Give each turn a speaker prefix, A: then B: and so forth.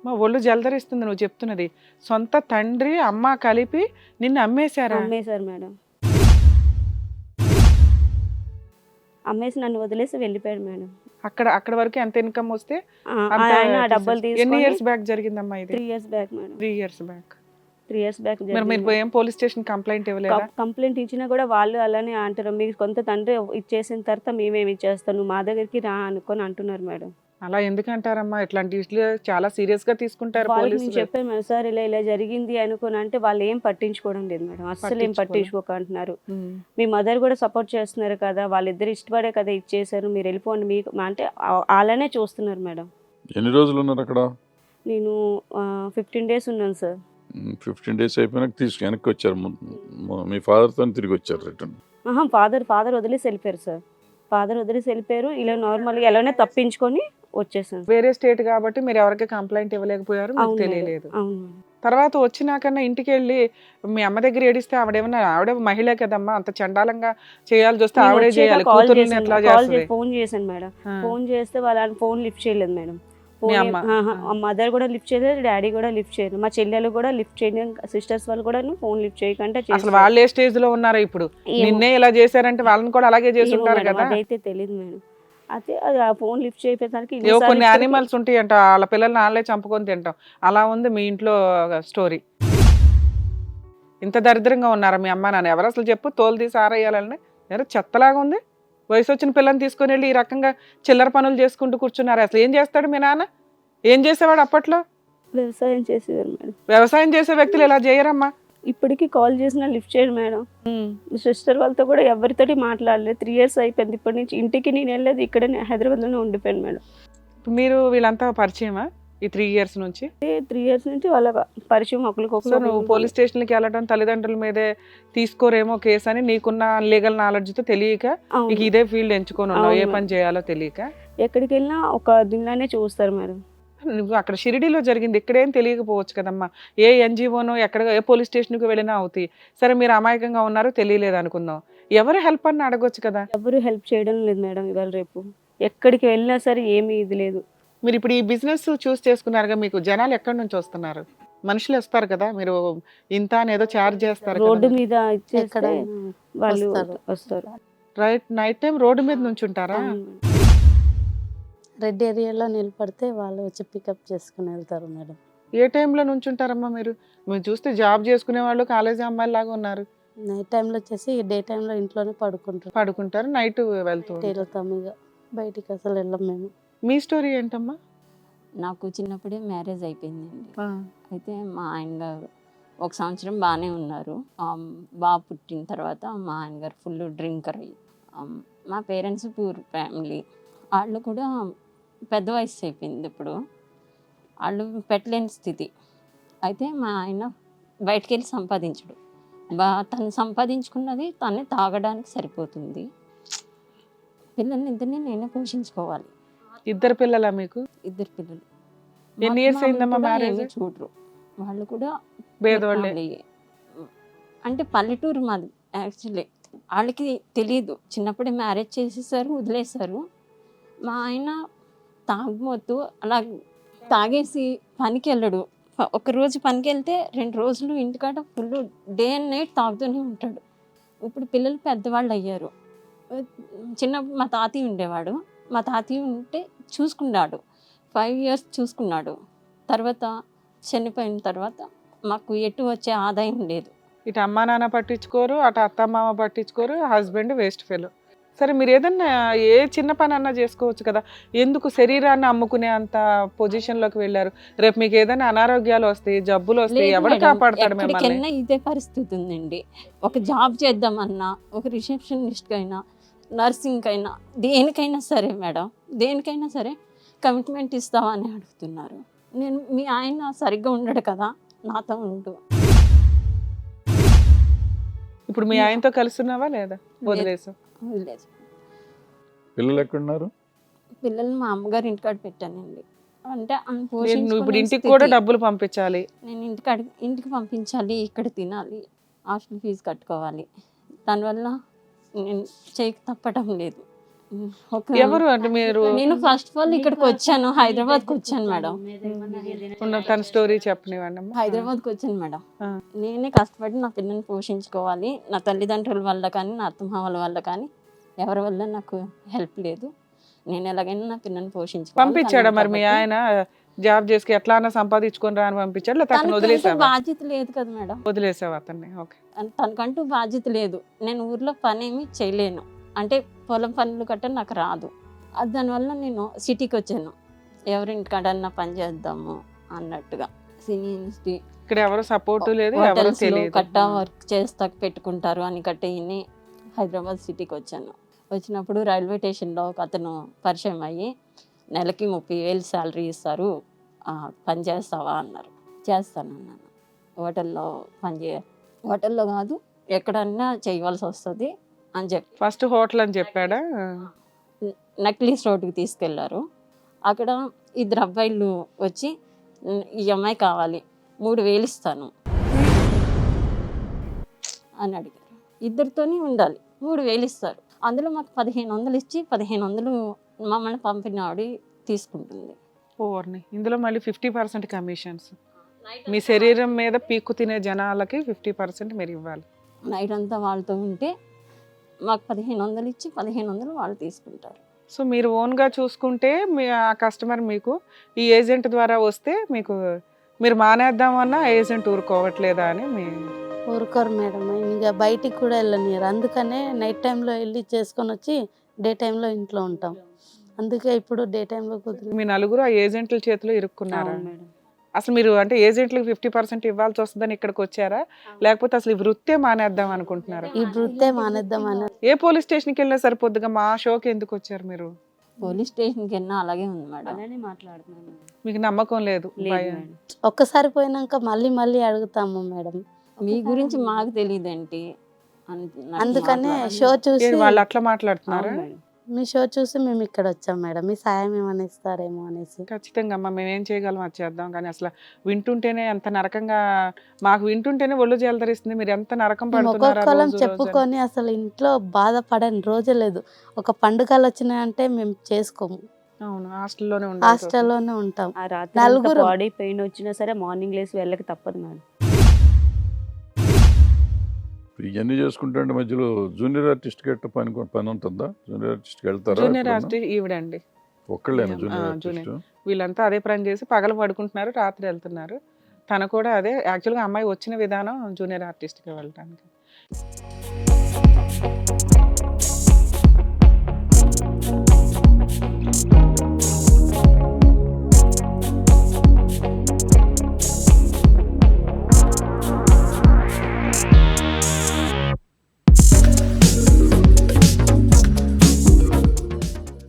A: మా ఒళ్ళు జలదరిస్తుంది నువ్వు చెప్తున్నది. సొంత తండ్రి అమ్మ కలిపి నిన్ను అమ్మేశారా?
B: అమ్మేశారు మేడం. అమ్మేసి నన్ను వదిలేసి వెళ్ళిపోయాడు మేడం.
A: అక్కడ వరకు ఎంత ఇన్కమ్ వస్తే
B: ఆయన డబ్బులు
A: ఎన్ని
B: తీసుకొని
A: ఇయర్స్ బ్యాక్ జరిగిందమ్మా ఇది?
B: 3 years back madam.
A: 3 years back.
B: 3 years back
A: మరి మీరు ఏం పోలీస్ స్టేషన్ కంప్లైంట్ ఇవ్వలేదా?
B: కంప్లైంట్ ఇచ్చినా కూడా వాళ్ళు అలానే అంటారు, మీకు కొంత తండ్రి ఇచ్చేసిన తర్వాత మేమేమి ఇచ్చేస్తాం, నువ్వు మా దగ్గరికి రా అనుకొని అంటున్నారు మేడం.
A: అలా ఎందుకు అంటారమ్మా? ఇట్లాంటి విషయాలు చాలా సీరియస్ గా తీసుకుంటారు
B: వాళ్ళకి నేను
A: పోలీసులు.
B: చెప్పాను మేడం, సార్ ఇలా జరిగింది అనుకుని అంటే వాళ్ళు ఏం పట్టించుకోవడం లేదు మేడం, అస్సలు ఏం పట్టించుకోక అంటున్నారు. మీ మదర్ కూడా సపోర్ట్ చేస్తున్నారు కదా, వాళ్ళిద్దరు ఇష్టపడే కదా ఇచ్చేసారు, మీరు వెళ్ళిపోండి మీకు అంటే అలానే చూస్తున్నారు మేడం.
C: ఎన్ని రోజులు ఉన్నారు అక్కడ?
B: నేను 15 days ఉన్నాను సార్.
C: 15 days అయిపోయినాక వెనక్కి వచ్చారు. మీ ఫాదర్తో తిరిగి వచ్చారు రిటర్న్?
B: ఫాదర్ వదిలేసి వెళ్ళిపోయారు సార్. ఫాదర్ వదిలేసి వెళ్ళిపోయారు. ఇలా నార్మల్గా ఎలానే తప్పించుకొని వచ్చేసాను.
A: వేరే స్టేట్ కాబట్టి మీరు ఎవరికి కంప్లైంట్ ఇవ్వలేకపోయారు, మీకు తెలియలేదు.
B: అవును.
A: తర్వాత వచ్చినాకన్నా ఇంటికి వెళ్ళి మీ అమ్మ దగ్గర ఏడిస్తే ఆవిడ మహిళ కదమ్మా, అంత చండాలంగా చేయాల్సి వస్తే ఆవిడే చేయాలి. కూతుర్ని ఎట్లా చేస్తుంది?
B: ఫోన్ చేశాను మేడం. ఫోన్ చేస్తే వాళ్ళ ఫోన్ లిఫ్ట్ చేయలేదు మేడం. మదర్ కూడా లిఫ్ట్ చేయలేదు, డాడీ కూడా లిఫ్ట్ చేయలేదు, మా చెల్లెలు కూడా లిఫ్ట్ చేయలేదు, సిస్టర్స్ వాళ్ళు కూడా ఫోన్ లిఫ్ట్ చేయకుండా
A: అసలు వాళ్ళు ఏ స్టేజ్ లో ఉన్నారో ఇప్పుడు నిన్నే ఇలా చేశారంటే వాళ్ళని కూడా అలాగే చేసి ఉంటారు కదా.
B: అదైతే తెలియదు మేడం. అయితే అది ఆ ఫోన్ లిఫ్ట్ చేయడానికి
A: కొన్ని యానిమల్స్ ఉంటాయి అంట, వాళ్ళ పిల్లల్ని వాళ్ళే చంపుకొని తింటాం. అలా ఉంది మీ ఇంట్లో స్టోరీ. ఇంత దరిద్రంగా ఉన్నారా మీ అమ్మ నాన్న? ఎవరు అసలు చెప్పు, తోలు తీసి ఆరేయాలని? ఎవరు చెత్తలాగా ఉంది. వయసు వచ్చిన పిల్లని తీసుకొని వెళ్ళి ఈ రకంగా చిల్లర పనులు చేసుకుంటూ కూర్చున్నారు. అసలు ఏం చేస్తాడు మీ నాన్న? ఏం చేసేవాడు అప్పట్లో?
B: వ్యవసాయం చేసేవారు మేడం.
A: వ్యవసాయం చేసే వ్యక్తులు ఇలా చేయరమ్మా.
B: ఇప్పటికీ కాల్ చేసినా లిఫ్ట్ చేయడు మేడం. సిస్టర్ వాళ్ళతో కూడా ఎవరితోటి మాట్లాడలేదు. 3 years అయిపోయింది. ఇప్పటి నుంచి ఇంటికి నేను వెళ్ళలేదు, ఇక్కడనే హైదరాబాద్లోనే ఉండిపోయాను మేడం.
A: మీరు వీళ్ళంతా పరిచయమా ఈ 3 years నుంచి?
B: 3 years నుంచి వాళ్ళ పరిచయం ఒకరికొకరు.
A: నువ్వు పోలీస్ స్టేషన్కి వెళ్ళడం తల్లిదండ్రుల మీదే తీసుకోరేమో కేసు అని నీకున్న లీగల్ నాలెడ్జ్తో తెలియక నీకు ఇదే ఫీల్డ్ ఎంచుకొని ఉన్నావు, ఏ పని చేయాలో తెలియక.
B: ఎక్కడికి వెళ్ళినా ఒక దీనిలానే చూస్తారు మేడం.
A: నువ్వు అక్కడ షిరిడీలో జరిగింది, ఇక్కడేం తెలియకపోవచ్చు కదమ్మా. ఏ ఎన్జిఓనో ఎక్కడ ఏ పోలీస్ స్టేషన్కి వెళ్ళినా అవుతాయి. సరే మీరు అమాయకంగా ఉన్నారు, తెలియలేదు అనుకుందాం, ఎవరు హెల్ప్ అని అడగొచ్చు కదా.
B: ఎవరు హెల్ప్ చేయడం లేదు మేడం. ఇవాళ రేపు ఎక్కడికి వెళ్ళినా సరే ఏమీ ఇది లేదు.
A: మీరు ఇప్పుడు ఈ బిజినెస్ చూస్ చేసుకున్నారుగా, మీకు జనాలు ఎక్కడి నుంచి వస్తున్నారు? మనుషులు వస్తారు కదా, మీరు ఇంత అని ఏదో ఛార్జ్ చేస్తారు,
B: రోడ్డు మీద ఇచ్చేస్తే వాళ్ళు వస్తారు.
A: రైట్, నైట్ టైం రోడ్డు మీద నుంచి ఉంటారా?
D: రెడ్ ఏరియాలో నిలబడితే వాళ్ళు వచ్చి పికప్ చేసుకుని వెళ్తారు మేడం.
A: ఏ టైంలో నుంచి ఉంటారమ్మా మీరు? మీరు చూస్తే జాబ్ చేసుకునే వాళ్ళు కాలేజీ అమ్మాయిలు లాగా ఉన్నారు.
D: నైట్ టైంలో వచ్చేసి డే టైంలో ఇంట్లోనే
A: పడుకుంటారు, నైట్ వెళ్తాం.
D: ఇక బయటికి అసలు వెళ్ళం మేము.
A: మీ స్టోరీ ఏంటమ్మా?
E: నాకు చిన్నప్పుడే మ్యారేజ్ అయిపోయిందండి. అయితే మా ఆయన గారు 1 సంవత్సరం బాగానే ఉన్నారు. బాబు పుట్టిన తర్వాత మా ఆయన గారు ఫుల్ డ్రింకర్ అయ్యి, మా పేరెంట్స్ పూర్ ఫ్యామిలీ, వాళ్ళు కూడా పెద్ద వయసు అయిపోయింది. ఇప్పుడు వాళ్ళు పెట్టలేని స్థితి. అయితే మా ఆయన బయటికి వెళ్ళి సంపాదించడు. తను సంపాదించుకున్నది తనే తాగడానికి సరిపోతుంది. పిల్లల్ని ఇద్దరిని నేనే పోషించుకోవాలి.
A: 2 పిల్లలా మీకు?
E: 2 పిల్లలు.
A: ఎన్ని ఇయర్స్ అయిందమ్మా మ్యారేజ్?
E: చూడరు వాళ్ళు కూడా
A: పేదవాళ్ళే.
E: అంటే పల్లెటూరు మాది యాక్చువల్లీ. వాళ్ళకి తెలియదు, చిన్నప్పుడే మ్యారేజ్ చేసేసారు, వదిలేశారు. మా ఆయన తాగుమోతు అలా తాగేసి పనికి వెళ్ళడు. ఒకరోజు పనికి వెళ్తే 2 రోజులు ఇంటికాడ ఫుల్ డే అండ్ నైట్ తాగుతూనే ఉంటాడు. ఇప్పుడు పిల్లలు పెద్దవాళ్ళు అయ్యారు. చిన్నప్పుడు మా తాతయ్య ఉండేవాడు. మా తాతయ్య ఉంటే చూసుకున్నాడు, 5 years చూసుకున్నాడు. తర్వాత చనిపోయిన తర్వాత మాకు ఎటు వచ్చే ఆదాయం లేదు.
A: ఇటు అమ్మా నాన్న పట్టించుకోరు, అటు అత్త మామ పట్టించుకోరు, హస్బెండ్ వేస్ట్ ఫెలో. సరే మీరు ఏదన్నా ఏ చిన్న పని అన్నా చేసుకోవచ్చు కదా, ఎందుకు శరీరాన్ని అమ్ముకునే అంత పొజిషన్లోకి వెళ్ళారు? రేపు మీకు ఏదైనా అనారోగ్యాలు వస్తాయి, జబ్బులు వస్తాయి, ఎవరు కాపాడతాడు మిమ్మల్ని?
E: ఎక్కడికైనా ఇదే పరిస్థితి ఉందండి. ఒక జాబ్ చేద్దామన్నా, ఒక రిసెప్షనిస్ట్కి అయినా, నర్సింగ్కి అయినా, దేనికైనా సరే మేడం, దేనికైనా సరే కమిట్మెంట్ ఇస్తావా అని అడుగుతున్నారు. నేను మీ ఆయన సరిగ్గా ఉండడు కదా, నాతో ఉండు.
A: ఇప్పుడు మీ ఆయనతో కలుస్తున్నావా లేదా? వదిలేసు.
C: పిల్లలు ఎక్కడున్నారు?
E: పిల్లల్ని మా అమ్మగారు ఇంటికాడ పెట్టానండి. అంటే
A: ఇప్పుడు ఇంటికి కూడా డబ్బులు పంపించాలి,
E: నేను ఇంటికి పంపించాలి, ఇక్కడ తినాలి, హాస్టల్ ఫీజు కట్టుకోవాలి. దానివల్ల నేను చేయక తప్పటం లేదు. ఒక
A: ఎవరు అంటే మీరు
E: నేను ఫస్ట్ ఆఫ్ ఆల్ ఇక్కడికి వచ్చాను, హైదరాబాద్కి వచ్చాను మేడం.
A: తన స్టోరీ చెప్పనివ్వండి అమ్మా.
E: హైదరాబాద్కి వచ్చాను మేడం.
A: ఆ.
E: నేనే కష్టపడి నా పిల్లల్ని పోషించుకోవాలి. నా తల్లిదండ్రుల వల్ల కానీ నా అత్తమామల వల్ల కానీ ఎవరి వల్ల నాకు హెల్ప్ లేదు. నేను ఎలాగైనా నా పిల్లల్ని పోషించుకోవాలి.
A: పంపించాడా మరి మీ ఆయన జాబ్ చేసి ఎట్లా అన్నా సంపాదించుకొని రా అని పంపించాడు, లేకపోతే అతను
E: తనకంటూ
A: వదిలేసావా?
E: బాధ్యత లేదు కదా మేడం.
A: వదిలేసావు అతన్ని. ఓకే.
E: తనకంటూ బాధ్యత లేదు. నేను ఊర్లో పని ఏమి చేయలేను, అంటే పొలం పనులు గట్ట నాకు రాదు. దానివల్ల నేను సిటీకి వచ్చాను, ఎవరింటికాడన్నా పని చేద్దాము అన్నట్టుగా. సినీ
A: ఇక్కడ ఎవరు సపోర్ట్ లేదు, ఎవరు తెలియదు.
E: కట్టా వర్క్ చేస్తా పెట్టుకుంటారు అని కట్టేయని హైదరాబాద్ సిటీకి వచ్చాను. వచ్చినప్పుడు రైల్వే స్టేషన్లో ఒక అతను పరిచయం అయ్యి, నెలకి 30,000 శాలరీ ఇస్తారు, పని చేస్తావా అన్నారు. చేస్తానన్నాను. హోటల్లో హోటల్లో కాదు ఎక్కడన్నా చేయవలసి వస్తుంది అని చెప్పి
A: ఫస్ట్ హోటల్ అని చెప్పాడా?
E: నక్లీస్ రోడ్డుకి తీసుకెళ్లారు. అక్కడ 2 అబ్బాయిలు వచ్చి, ఈ అమ్మాయి కావాలి, 3,000 ఇస్తాను అని అడిగారు. 2తోనే ఉండాలి, 3,000 ఇస్తారు. అందులో మాకు 1,500 ఇచ్చి 1,500 మమ్మల్ని పంపిన ఆవిడ తీసుకుంటుంది.
A: ఓర్ని, ఇందులో మళ్ళీ 50% కమిషన్స్. మీ శరీరం మీద పీక్కు తినే జనాలకి 50% మీరు ఇవ్వాలి.
E: నైట్ అంతా వాళ్ళతో ఉంటే మాకు 1,500 ఇచ్చి 1,500 వాళ్ళు తీసుకుంటారు.
A: సో మీరు ఓన్గా చూసుకుంటే మీ ఆ కస్టమర్ మీకు ఈ ఏజెంట్ ద్వారా వస్తే మీకు మీరు మానేద్దామన్నా ఏజెంట్ ఊరుకోవట్లేదా అని మీ
D: ఊరుకోరు మేడం, ఇంకా బయటికి కూడా వెళ్ళనియరు. అందుకనే నైట్ టైంలో వెళ్ళి చేసుకొని వచ్చి డే టైంలో ఇంట్లో ఉంటాం. అందుకే ఇప్పుడు డే టైంలో కుదిరి
A: మీ నలుగురు ఆ ఏజెంట్ల చేతిలో ఇరుక్కున్నారా?
B: అవును మేడం.
A: అసలు మీరు అంటే ఏజెంట్లకు 50% ఇవ్వాల్సి వస్తుందని ఇక్కడికి వచ్చారా, లేకపోతే అసలు ఈ వృత్తే మానేద్దాం అనుకుంటున్నారా?
D: ఈ వృత్తే మానేద్దామని
A: ఏ పోలీస్ స్టేషన్కి వెళ్ళినా సరిపోద్దుగా, మా షోకి ఎందుకు వచ్చారు మీరు?
E: పోలీస్ స్టేషన్కి వెళ్ళినా అలాగే ఉంది మేడం.
B: అలానే మాట్లాడుతున్నాను మేడం.
A: మీకు నమ్మకం లేదు?
B: లేదు
A: భయం.
B: మేడం.
D: ఒక్కసారి పోయినాక మళ్ళీ మళ్ళీ అడుగుతాము మేడం.
E: మీ గురించి మాకు తెలియదేంటి
D: అందుకనే షో చూసి
A: ఏంటి వాళ్ళు అట్లా మాట్లాడుతున్నారా?
B: అవును మేడం.
D: మీ షో చూసి మేము ఇక్కడ వచ్చాం మేడం, మీ సాయం ఏమైనా ఇస్తారేమో అనేసి.
A: ఖచ్చితంగా అమ్మా, మేము ఏం చేయగలం అది చేద్దాం. కానీ అసలు వింటుంటేనే ఎంత నరకంగా, మాకు వింటుంటేనే ఒళ్ళు జలదరిస్తుంది. మీరు ఎంత నరకం
D: మేము
A: పడుతున్నారా
D: ఒక్కొక్కరం
A: రోజు రోజు అని.
D: చెప్పుకొని అసలు ఇంట్లో బాధపడని రోజే లేదు. ఒక పండుగలు వచ్చినాయంటే మేము చేసుకోము,
A: అవును, హాస్టల్లోనే ఉండాలి.
D: హాస్టల్లోనే ఉంటాం.
B: ఆ రాత్రి
D: నలుగురు.
B: బాడీ పెయిన్ వచ్చినా సరే మార్నింగ్ లేసి వెళ్ళక తప్పదు మేడం.
C: ఇవన్నీ చేసుకుంటే మధ్యలో జూనియర్ ఆర్టిస్ట్ గట్ట పని ఉంటుందా? జూనియర్ ఆర్టిస్ట్కి వెళ్తారా?
A: Junior artist ఈవిడండి.
C: ఒక్కళ్ళేనా
A: ఆ,
C: జూనియర్
A: జూనియర్.
C: ఆర్టిస్ట్?
A: వీళ్ళంతా అదే పని చేసి పగలు పడుకుంటున్నారు, రాత్రి వెళ్తున్నారు. తను కూడా అదే యాక్చువల్గా అమ్మాయి వచ్చిన విధానం జూనియర్ ఆర్టిస్ట్కి వెళ్ళడానికి.